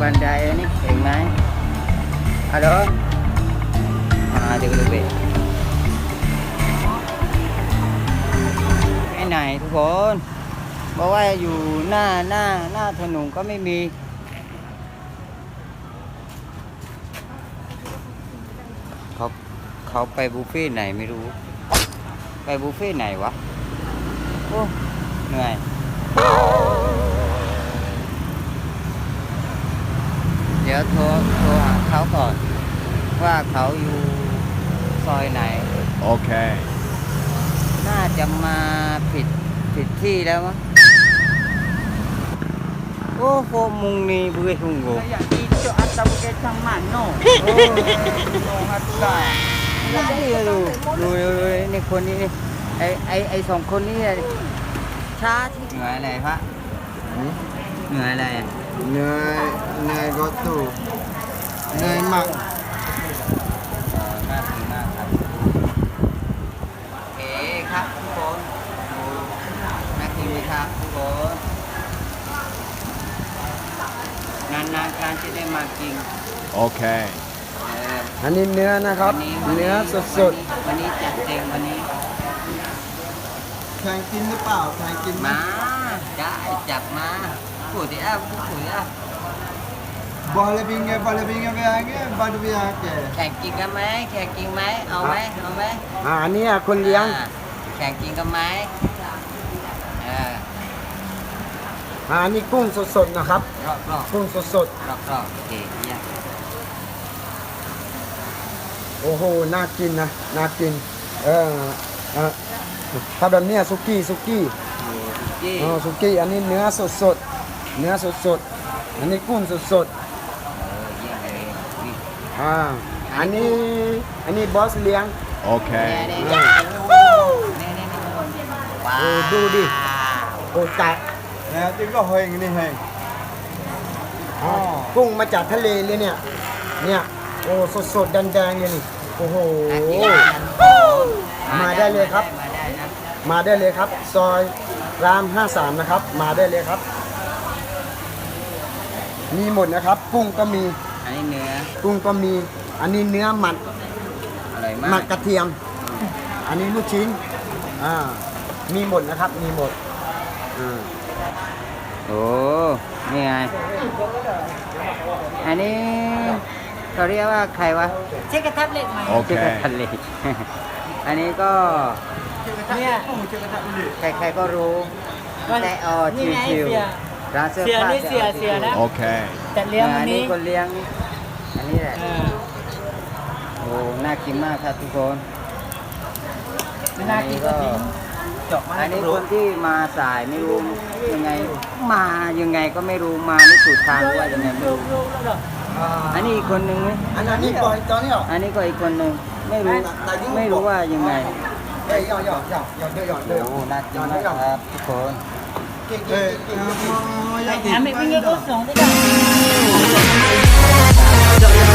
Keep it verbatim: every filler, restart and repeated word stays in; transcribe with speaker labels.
Speaker 1: บันไดนี่เห็นไหมฮัลโหลมาเดี๋ยวดูไปไปไหนทุกคนบอกว่าอยู่หน้าหน้าหน้าถนนก็ไม่มีเขาเขาไปบุฟเฟ่ไหนไม่รู้ไปบุฟเฟ่ไหนวะโอ้เหนื่อยเดี๋ยวโทรโทรหาเขาก่อนว่าเขาอยู่ซอยไหนโอเคน่าจะมาผิดผิดที่แล้วมั้งโอ้โหมุงนี่บุ้ยหุ่งโง่
Speaker 2: Kayak itu atau kecang mano. Oh, hatulah.
Speaker 1: นี่ดูดูดูนี่คนนี้นี่ไอไอไอสองคนนี้ช้าที่เหนื่อยอะไรพระเหนื่อยอะไรอ่ะ
Speaker 3: เหนื่อยเหนื่อยก็ตู้เหนื่อยมาก
Speaker 1: น่ากินมากครับโอเคครับทุกคนน่ากินไหมครับทุกคนนานๆการจะได้มากินโอเค
Speaker 3: อันนี้เนื้อนะครับ เนื้อสด
Speaker 1: ๆวันนี้จัดเต็มวันนี้
Speaker 3: ๆแข่งกินหรือเปล่าแข่งกินไหม
Speaker 1: มาได้จับมาผู้ที่อ้าผู้ที่อ้า
Speaker 3: บอลบิงเกบอลบิงเกไปยังไงบอลบิงยังไง
Speaker 1: แข่งกินกันไหมแข่งกินไหมเอาไหมเอาไหม
Speaker 3: อ่าอันนี้คนเลี้ยง
Speaker 1: อ่าแข่งกินกันไหมเออ
Speaker 3: อ่าอันนี้กุ้งสดๆนะครับ
Speaker 1: รอบรอบ
Speaker 3: กุ้งสด
Speaker 1: รอบรอบโอเคเยี่ยม
Speaker 3: ๆโอ้โหน่ากินนะน่ากินเออเออถ้าแบบเนี้ยสุกี้สุกี้
Speaker 1: ยี่
Speaker 3: อ๋อสุกี้อันนี้เนื้อสดๆเนื้อสดๆอันนี้กุ้งสด
Speaker 1: เออเยี่ยมเลยนี่
Speaker 3: ๆอ่าอันนี้อันนี้บอสเลี้ยง
Speaker 1: โอเคนี่นี่นี่ว้า
Speaker 3: โอ้
Speaker 1: ว
Speaker 3: ดูดิ โอ้ตายนะจริงก็เฮงนี่เฮงกุ้งมาจากทะเลเลยเนี่ย เนี่ย โอ้สดๆแดงๆเลยนี่ โอ้โห
Speaker 1: น่ากินมาก
Speaker 3: มาได้เลยครับ
Speaker 1: มาได้นะ
Speaker 3: มาได้เลยครับ ซอยรามห้าสามนะครับ มาได้เลยครับ มีหมดนะครับ กุ้งก็มี
Speaker 1: อันนี้เนื้อ
Speaker 3: กุ้งก็มี อันนี้เนื้อหมัด
Speaker 1: อร่อยมา
Speaker 3: หมั
Speaker 1: ก
Speaker 3: กกระเทียม อันนี้ลูกชิ้น อ่า มีหมดนะครับ มีหมดอ่า
Speaker 1: โอ้นี่ไงอันนี้เขาเรียกว่าใครวะ
Speaker 2: Cek ke tablet mai.
Speaker 1: โอเคทะเล อันนี้ก็
Speaker 2: Ni ah.
Speaker 1: ใครๆก็รู้แต่เออ
Speaker 2: นี่ไง
Speaker 1: ชิว
Speaker 2: เสีย
Speaker 1: ๆร้านเสื้อ
Speaker 2: เสีย
Speaker 1: ผ้า
Speaker 2: นี่เสียเสียนะ
Speaker 1: โอเค
Speaker 2: จัดเลี้ยง
Speaker 1: อั
Speaker 2: วัน
Speaker 1: นนี้
Speaker 2: นี้
Speaker 1: คนเลี้ยงอันนี้แหละ
Speaker 2: เออ
Speaker 1: โอ้น่ากินมากครับทุกคน
Speaker 2: ไม่น่ากินก็ทิ้งเจาะมา
Speaker 1: อัน
Speaker 2: ให้
Speaker 1: นี้
Speaker 2: รู้
Speaker 1: คนที่มาสายไม่รู้ยังไงมายังไงก็ไม่รู้มาไม่ถูกทางว่ายังไงไม่รู้
Speaker 2: รู้แล้ว
Speaker 1: อันนี้อีกคนนึงไหม
Speaker 3: อันนี้ก่อนตอนนี้เหรอ
Speaker 1: อันนี้ก็อีกคนนึงไม่รู้ไม่รู้ว่ายังไง
Speaker 3: เฮ้ยหยอดหยอดหยอดหยอดหยอดหยอด
Speaker 1: โอ้น่ากินมากครับทุกคน
Speaker 3: เฮ้ย
Speaker 2: Ambil pinggir kosong tu dah.